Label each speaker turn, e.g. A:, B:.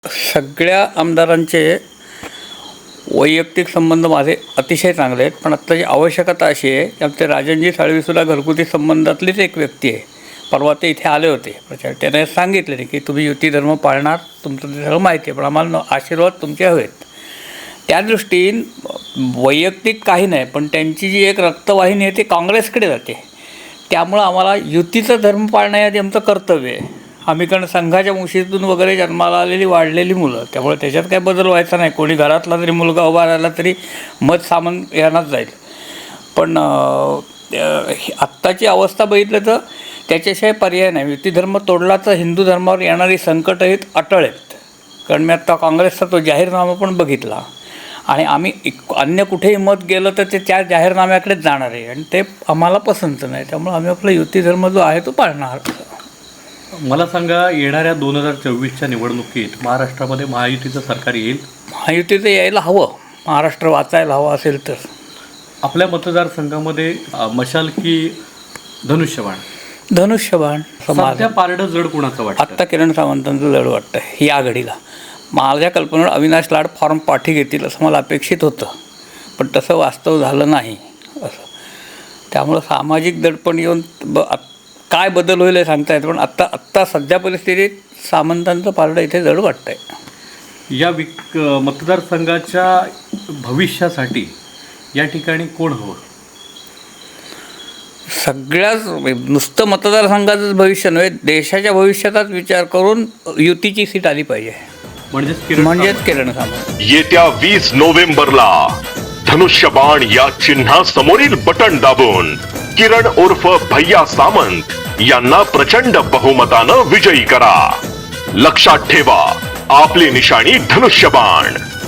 A: सगळ्या आमदारांचे वैयक्तिक संबंध माझे अतिशय चांगले आहेत, पण आत्ताची आवश्यकता अशी आहे की आमचे राजनजी साळवीसुद्धा घरगुती संबंधातलीच एक व्यक्ती आहे. परवा ते इथे आले होते प्रचार, त्याने सांगितले की तुम्ही युती धर्म पाळणार, तुमचं ते सगळं माहिती आहे, पण आम्हाला आशीर्वाद तुमचे हवेत. त्या दृष्टीने वैयक्तिक काही नाही, पण त्यांची जी एक रक्तवाहिनी आहे ती काँग्रेसकडे जाते. त्यामुळं आम्हाला युतीचं धर्म पाळणं हे आधी आमचं कर्तव्य आहे. आम्ही कारण संघाच्या मुशीतून वगैरे जन्माला आलेली वाढलेली मुलं, त्यामुळे त्याच्यात काही बदल व्हायचा नाही. कोणी घरातला जरी मुलगा उभा राहिला तरी मत सामान यांनाच जाईल. पण आत्ताची अवस्था बघितलं तर त्याच्याशिवाय पर्याय नाही. युती धर्म तोडला तर हिंदू धर्मावर येणारी संकटं ही अटळ आहेत. कारण मी आत्ता काँग्रेसचा तो जाहीरनामा पण बघितला आणि आम्ही अन्य कुठेही मत गेलं तर ते त्या जाहीरनाम्याकडेच जाणार आहे आणि ते आम्हाला पसंत नाही. त्यामुळे आम्ही आपला युती धर्म जो आहे तो पाळणार.
B: मला सांगा, येणाऱ्या 2024च्या निवडणुकीत महाराष्ट्रामध्ये महायुतीचं सरकार येईल?
A: महायुतीचं यायला हवं, महाराष्ट्र वाचायला हवं असेल तर.
B: आपल्या मतदारसंघामध्ये मशाल की धनुष्यबाण?
A: धनुष्यबाण.
B: सध्या पारडं जड कुणाचं वाटतं?
A: आत्ता किरण सावंतांचं जड वाटतं या आघाडीला. माझ्या कल्पनेवर अविनाश लाड फॉर्म पाठी घेतील असं मला अपेक्षित होतं, पण तसं वास्तव झालं नाही असं. त्यामुळं सामाजिक दडपण येऊन काय बदल होईल हे सांगता येतं, पण आत्ता सध्या परिस्थितीत सामंतांचं पारडं इथे जड वाटतं आहे.
B: या मतदारसंघाच्या भविष्यासाठी या ठिकाणी कोण हवं?
A: सगळ्याच नुसतं मतदारसंघाचंच भविष्य नव्हे, देशाच्या भविष्याचाच विचार करून युतीची सीट आली पाहिजे. म्हणजेच किरण सामंत.
C: येत्या 20 नोव्हेंबरला धनुष्यबाण या चिन्हासमोरील बटन दाबून किरण उर्फ भैया सामंत यांना प्रचंड बहुमतानं विजयी करा. लक्षात ठेवा, आपली निशाणी धनुष्यबाण.